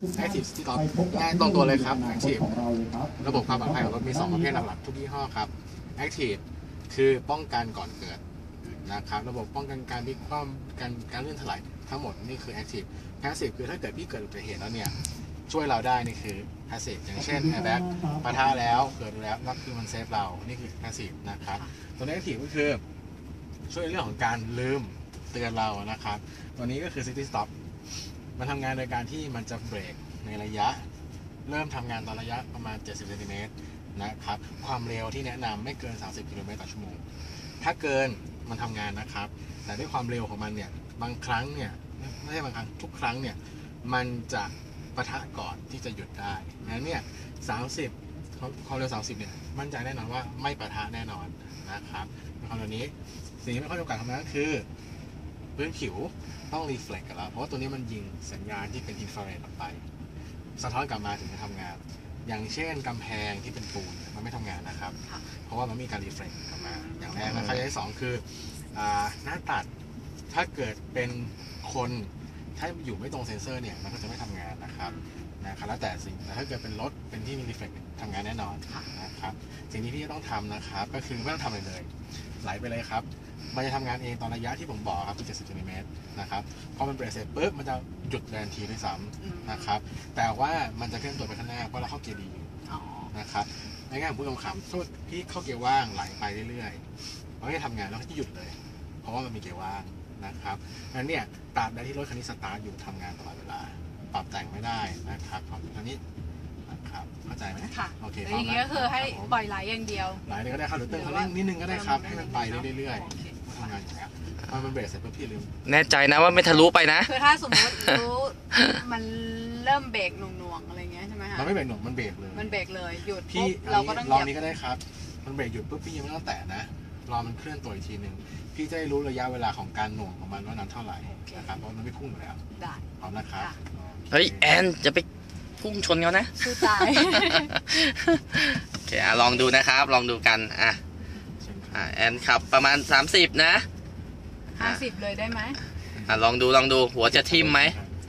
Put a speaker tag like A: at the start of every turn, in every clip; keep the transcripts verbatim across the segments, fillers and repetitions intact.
A: Active City Stop ง่ายตรงตัวเลยครับ Active ระบบความปลอดภัยของรถมีสองประเภทหลักๆทุกยี่ห้อครับ Active คือป้องกันก่อนเกิดนะครับระบบป้องกันการพลิกคว่ำการการเลื่อนถลายทั้งหมดนี่คือ Active Passive คือถ้าเกิดพี่เกิดอุบัติเหตุแล้วเนี่ยช่วยเราได้นี่คือ Passive อย่างเช่น Airbag ปะทะแล้วเกิดแล้วก็คือมันเซฟเรานี่คือ Passive นะครับตัวนี้ Active ก็คือช่วยในเรื่องของการลืมเตือนเรานะครับตัวนี้ก็คือ City Stop มันทำงานโดยการที่มันจะเบรกในระยะเริ่มทำงานตอนระยะประมาณเจ็ดสิบเซนติเมตรนะครับความเร็วที่แนะนำไม่เกินสามสิบกิโลเมตรต่อชั่วโมงถ้าเกินมันทำงานนะครับแต่ด้วยความเร็วของมันเนี่ยบางครั้งเนี่ยไม่ใช่บางครั้งทุกครั้งเนี่ยมันจะปะทะก่อนที่จะหยุดได้นั้นเนี่ยสามสิบความเร็วสามสิบเนี่ยมั่นใจแน่นอนว่าไม่ปะทะแน่นอนนะครับในความเร็วนี้สิ่งที่ไม่ค่อยจำกัดทำนั้นก็คือพื้นผิวต้องรีเฟล็กกับเราเพราะว่าตัวนี้มันยิงสัญญาณที่เป็นอินฟราเรดออกไปสะท้อนกลับมาถึงจะทำงานอย่างเช่นกำแพงที่เป็นปูนมันไม่ทำงานนะครับเพราะว่ามันมีการรีเฟล็กกลับมาอย่างแรกนะครับอย่างที่สองคือหน้าตัดถ้าเกิดเป็นคนถ้าอยู่ไม่ตรงเซ็นเซอร์เนี่ยมันก็จะไม่ทำงานนะครับนะครับแล้วแต่สิ่งแต่ถ้าเกิดเป็นรถเป็นที่มีรีเฟล็กทำงานแน่นอนนะครับสิ่งที่พี่ต้องทำนะครับก็คือไม่ต้องทำอะไรเลยไหลไปเลยครับมันจะทำงานเองตอนระยะที่ผมบอกครับคือเจ็ดสิบเซนติเมตรนะครับพอมันเบรกเสร็จปุ๊บมันจะหยุดทันทีด้วยซ้ำนะครับแต่ว่ามันจะเคลื่อนตัวไปข้างหน้าเพราะเราเข้าเกียร์ดีอยู่นะครับในงานผมพูดคำๆสมมติพี่เข้าเกียร์ว่างไหลไปเรื่อยๆมันก็จะทำงานแล้วก็จะหยุดเลยเพราะว่ามันมีเกียร์ว่างนะครับนั้นเนี่ยตราบใดที่รถคันนี้สตาร์ทอยู่ทำงานตลอดเวลาปรับแต่งไม่ได้นะครับของคันนี้นะครับเข้าใจไหมค่ะโอเคอย่างนี้
B: ก็คือให้ปล่อยไหลอย่างเดียว
A: ไหลเลยก็ได้ครับหรือเติมคันเร่งนิดนึงก็ได้ครับให้มันไปเรื่อยๆทำงานอย่างเงี้ยพอมันเบรกเสร็จปุ๊บพี่ลืม
C: แน่ใจนะว่าไม่ทะลุไปนะ
B: คือถ้าสมมติรู้มันเริ่มเบรกหน่วงๆอะไรเงี้ยใช่ไหมคะ
A: มันไม่เบรกหน่วงมันเบรกเลย
B: มันเบรกเลยหยุด
A: พี่เราก็ต้องลองนี้ก็ได้ครับมันเบรกหยุดปุ๊บพี่ยังไม่ต้องแตะนะรอมันเคลื่อนตัวอีกทีหนึ่งพี่จะได้รู้ระยะเวลาของการหน่วงของมันว่านานเท่าไหร่นะครับเพราะมันไม่พุ่งอยู่แล้ว
B: ได้
A: พร้อมนะครับ
C: เฮ้ยแอนจะไปพุ่งชนเขานะ
B: สู้ตาย
C: โอเคลองดูนะครับลองดูกันอ่ะแอนขับประมาณสามสิบนะ
B: ห้าสิบเลยได้ไหม
C: อ่ะลองดูลองดูหัวจะทิ่มไหม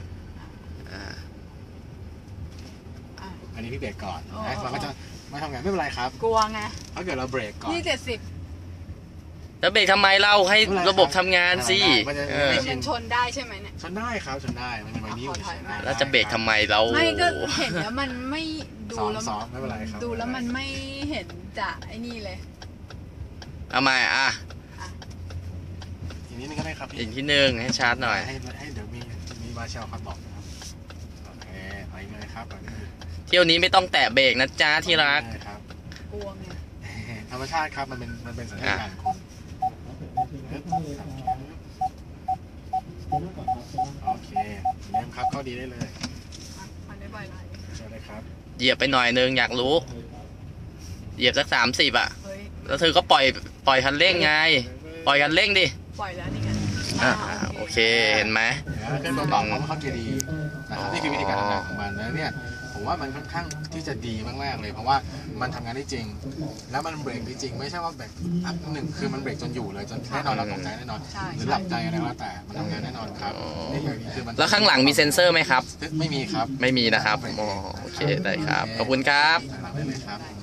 A: อันนี้พี่เบรกก่อนเราก็จะไม่ทำงานไม่เป็นไรครับ
B: กลัวไง
A: ถ้าเกิดเราเบรกก่อน
B: นี่เจ็ดสิบ
C: แล้วเบรกทำไมเราให้ระบบทำงานสิ
B: มันชนได้ใช่ไหมเนี่ย
A: ชนได้ครับชนได้มันเป็นไวนิ้ว
C: แล้วจะเบรกทำไมเรา
B: ไม่ก็เห็นแล้วมันไม่ดูแล้ว
A: ไม่เป็นไรครับ
B: ดูแล้วมันไม่เห็นจะไอ้นี่เลย
C: เอาใหม่อ่ะ
A: อีกนิดนึงก็ได้ครับ
C: อีกที่หนึ่งให้ชาร์จหน่อย
A: ให้ให้เดี๋ยวมีมีมาเชลครับบอกนะครับโอเคไปเลยครับ
C: เที่ยวนี้ไม่ต้องแตะเบรกนะจ้าที่รัก
B: กลัวไง
A: ธรรมชาติครับมันเป็นมันเป็นสัญญาณของโอเคเริ่มครับเข้าดีได้เลย
B: มันได้บ่อยไร
A: ใช่เลยครับ
C: เหยียบไปหน่อยนึงอยากรู้เหยียบสักสามสิบอ่ะแล้วเธอก็ปล่อยปล่อยคันเร่งไงปล่อยคันเร่งดิ
B: ปล่อยแล้วนี่ไง
C: อ่าโอเคเห็นไหม
A: เครื่องตัวต่อเขาเข้าเกียร์ดีนะครับนี่คือวิธีการทำงานของมันแล้วเนี่ยผมว่ามันค่อนข้างที่จะดีมากๆเลยเพราะว่ามันทำงานได้จริงแล้วมันเบรกได้จริงไม่ใช่ว่าเบรกอันหนึ่งคือมันเบรกจนอยู่เลยจนแน่นอนเราตกใจแน่นอนหรือหลับใจอะไรก็แล้วแต่มันทำงานแน่นอนครับนี่อย่างนี้คือมัน
C: แล้วข้างหลังมีเซ็นเซอร์ไหมครับ
A: ไม่มีครับ
C: ไม่มีนะครับโอเคได้ครับขอบคุณครับ
A: ได้เลยครับ